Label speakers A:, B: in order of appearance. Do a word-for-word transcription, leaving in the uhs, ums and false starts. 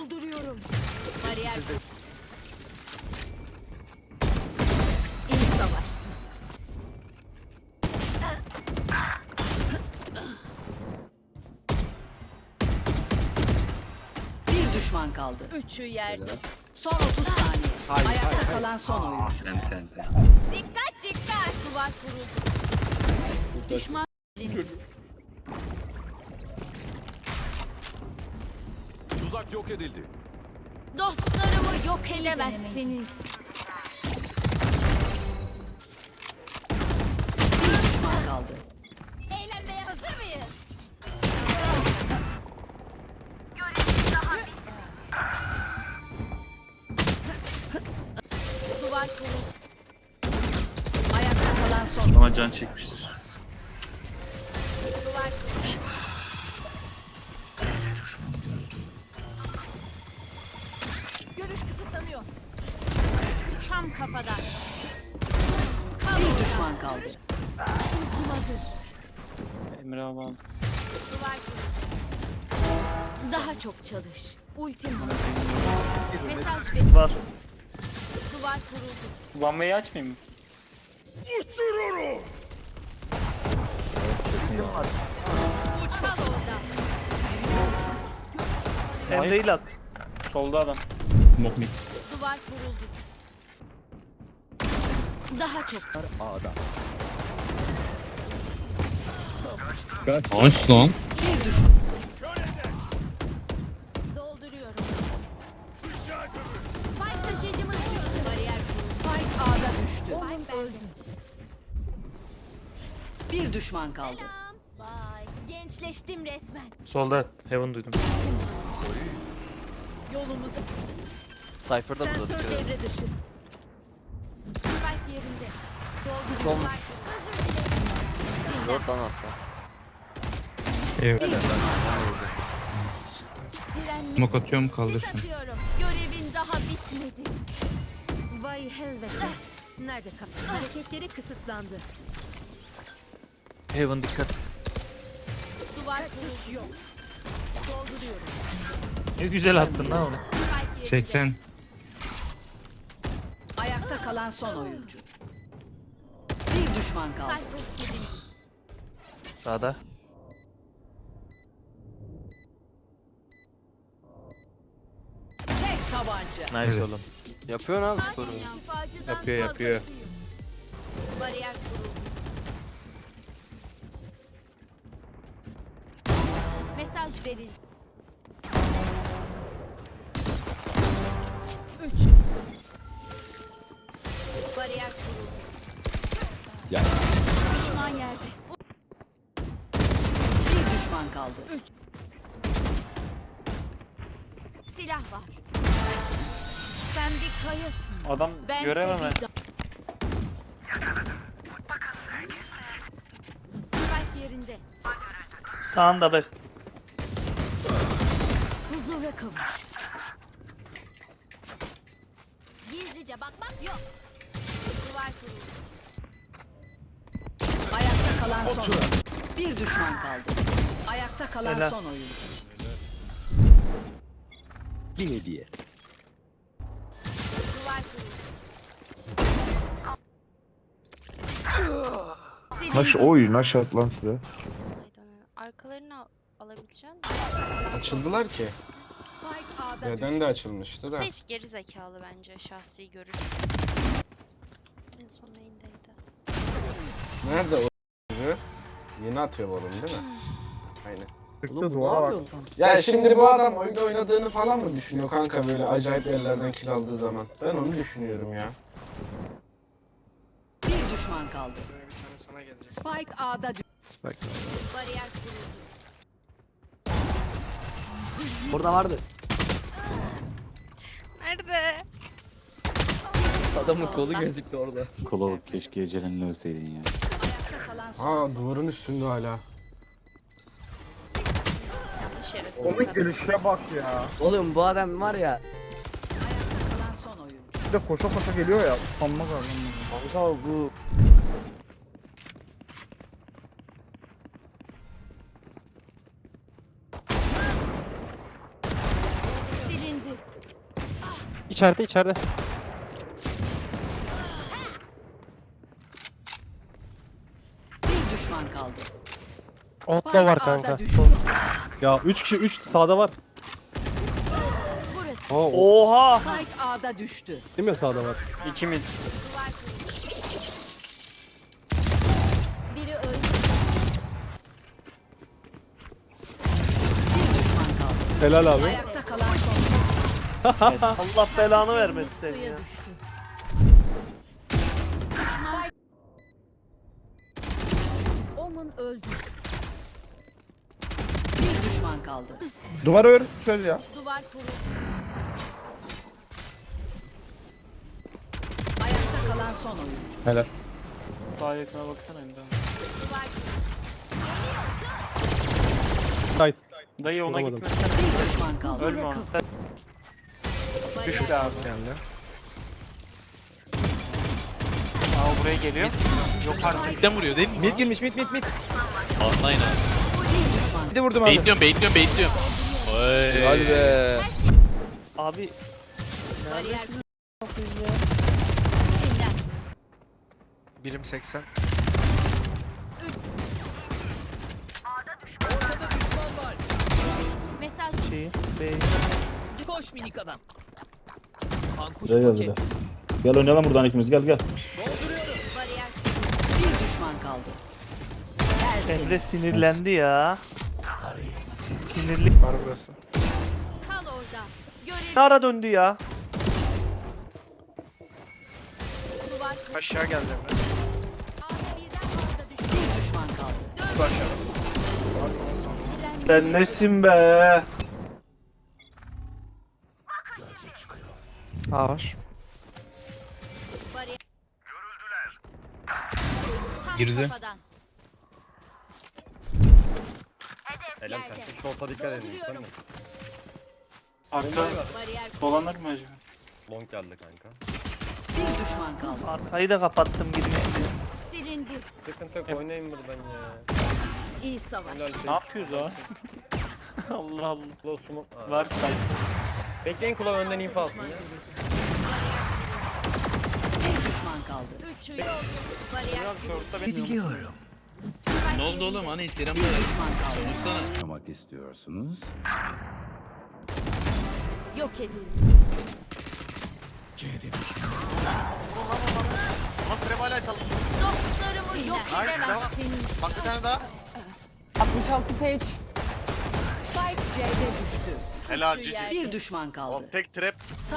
A: Dolduruyorum. Bariyer. İyi savaştı.
B: Bir düşman kaldı.
A: Üçü yerde.
B: Son otuz saniye.
C: Hayır,
B: Ayakta
C: hayır, hayır.
B: kalan son oyuncu.
D: Enten enten.
A: Dikkat dikkat. Duvar kuruldu. Düşman.
C: Tuzak yok edildi.
A: Dostlarımı yok edemezsiniz.
B: Bir düşman kaldı.
A: Eğlenmeye hazır mıyız? Duvar kuruldu.
B: Ayakta kalan son.
D: Ama can çekmiştir.
A: Duvar kuruldu. Görüş kısıtlanıyor. Tam kafadan.
B: Bir düşman kaldı.
A: Ultim hazır.
D: Emre abi.
A: Duvar kuruldu. Daha çok çalış. Ultim hazır. Mesaj ver.
E: Var.
A: Duvar kuruldu.
E: One way açmayayım mı?
A: Kal orada.
E: Emre ile at. Solda adam.
A: Duvar kuruldu. Daha çok.
D: Aç lan.
B: Bir düşman.
A: Dolduruyorum. Spike taşıyıcımız düştü. Bariyer kuruldu.
B: Spike A'da düştü.
A: Spike bende.
B: Bir düşman kaldı.
A: Selam. Bye. Gençleştim resmen.
E: Solda Heaven duydum.
A: Yolumuzu.
F: Cypher'da burada
A: Sensör
F: dikkat edin.
A: devre dışı. Spike yerinde.
F: Üç olmuş.
A: Özür dilerim.
F: Dört lan hatta.
B: Bir düşman.
A: Direnli.
D: Mok atıyorum
A: Sis
D: kaldırsın.
A: atıyorum. Görevin daha bitmedi. Vay helvete. Nerede kal? Hareketleri kısıtlandı.
E: Heaven dikkat.
A: Duvar kurulu yok. Dolduruyorum.
E: Ne güzel attın lan onu.
A: Spike yerinde.
D: seksen.
B: Ayakta kalan son oyuncu. Bir düşman kaldı.
A: Cypher silindi.
E: Sağda.
B: Tek tabanca.
E: Nice
D: Evet.
E: oğlum.
F: Yapıyorsun abi sporu.
A: Şifacıdan
E: Yapıyor, yapıyor.
A: fazlasıyım. Bariyer kuruldu. Mesaj verin. Üç. Bariyer kuruldu.
F: Yes.
A: Düşman yerde.
B: Bir düşman kaldı.
A: Silah var. Sen bir kayasın.
E: Adam
A: Ben
E: göremem ben.
A: Spike yerinde.
E: Sağında bak.
A: Huzura kavuş. Gizlice bakmak yok. Duvar kuruldu.
B: Ayakta kalan son oyuncu. Bir düşman kaldı. Ayakta kalan
E: Helal.
B: son oyuncu.
F: Bir hediye.
A: Duvar kuruldu.
G: Naş
A: Silindi.
G: oy naş at lan size.
H: Arkalarını al alabileceksin.
C: Açıldılar ki.
B: Spike A'da
C: Neden de açılmıştı da.
H: Aslında hiç geri zekalı bence şahsi görüş. En son main'deydi.
C: Nerede o Yeni atıyor balonu değil mi? Aynen.
G: Çıktı duvara bak.
C: Ya şimdi bu adam oyunda oynadığını falan mı düşünüyor kanka böyle acayip yerlerden kill aldığı zaman? Ben onu düşünüyorum ya.
B: bir düşman kaldı. Spike A'da düştü.
F: Spike.
A: Bariyer kuruldu.
F: Burada vardı.
H: Nerede?
F: Adamın kolu gözüktü orada.
D: Kulalık keşke ecelinle ölseydin ya.
B: Ayakta kalan son
C: Aa duvarın üstünde hala.
H: Yanlış yere
G: Komik
H: sıkıldım.
G: gelişe bak ya.
F: Oğlum bu adam var ya.
B: ayakta kalan son oyuncu.
G: Bir de koşa koşa geliyor ya. Utanmaz adam.
C: Kanka bu
A: Silindi.
I: İçeride içeride.
B: Bir düşman kaldı.
I: Otla var
B: Spike A'da
I: kanka.
B: düştü.
I: Ya üç kişi üç sağda var.
A: Burası.
I: Aa, o,
E: Oha.
B: Spike A'da düştü.
I: değil mi sağda var?
E: İki mid.
A: Duvar kurulu. Biri öldü.
B: Bir düşman kaldı.
I: Helal abi.
B: Ayakta kalan son.
E: Allah belanı
A: Birimiz
E: vermesin seni
A: suya
E: ya.
A: düştü. Düşman. Omen öldü.
B: Bir düşman kaldı.
G: Duvarı ör. Çöz ya.
A: Duvar kurulu.
B: Ayakta kalan son oyuncu.
G: Helal.
D: Sağ yakına baksana Emre abi.
A: Duvar
I: Sait.
D: Dayı ona
I: Vuramadım.
D: gitmesene.
B: Bir düşman kaldı.
D: Ölme onu.
A: Düş
D: Düş be abi. Aa buraya geliyor. Yok artık.
J: Midden vuruyor değil mi?
F: Mid girmiş mid mid mid.
J: Aynen.
B: Bir düşman.
F: Bir de vurdum abi.
J: Baitliyorum, baitliyorum, baitliyorum. Oy.
F: Hadi be.
E: Abi
A: bariyer.
J: Birim seksen.
A: Mesaj.
E: şeyi. Bey.
I: Gel gel Gel oynayalım buradan ikimiz gel gel.
A: Bariyer.
B: Bir düşman kaldı.
E: Emre sinirlendi ya. Sinirli.
J: Var burası.
A: Kal orada. Görev.
E: Ne ara döndü ya?
A: Duvar kurulu.
J: Aşağı geldi Emre.
A: A'da birden fazla düşman.
B: Bir düşman kaldı.
J: Dur aşağı.
E: Sen nesin be?
J: A var.
A: Bariyer. Tam
J: Girdi.
A: kafadan. Hedef yerde.
I: Şorta dikkat edin.
A: Dolduruyorum.
D: Arka
A: Bariyer.
D: dolanır mı acaba?
I: Long geldi kanka.
B: Bir düşman kaldı.
E: Arkayı da kapattım girmişti.
A: Silindi.
I: Sıkıntı yok oynayın buradan ya.
A: İyi savaş.
D: Ne yapıyoruz o? Allah Allah. Var sanki.
I: Bekleyin kulağı önden info alsın ya.
B: Bir düşman kaldı.
A: Üçü yok. Bariyer.
D: Şortta benim.
J: Ne oldu oğlum? Hani İslam
B: Bir düşman kaldı.
J: konuşsana.
F: Yaşamak istiyorsunuz.
A: Yok edildi.
J: Ama krem hala çalışıyor.
A: Dostlarımı yok edemezsiniz.
J: Bak bir tane daha.
B: Spike C'de düştü.
J: Helal
A: Şu
J: cici.
A: yer-
B: Bir düşman kaldı.
J: Tek trap.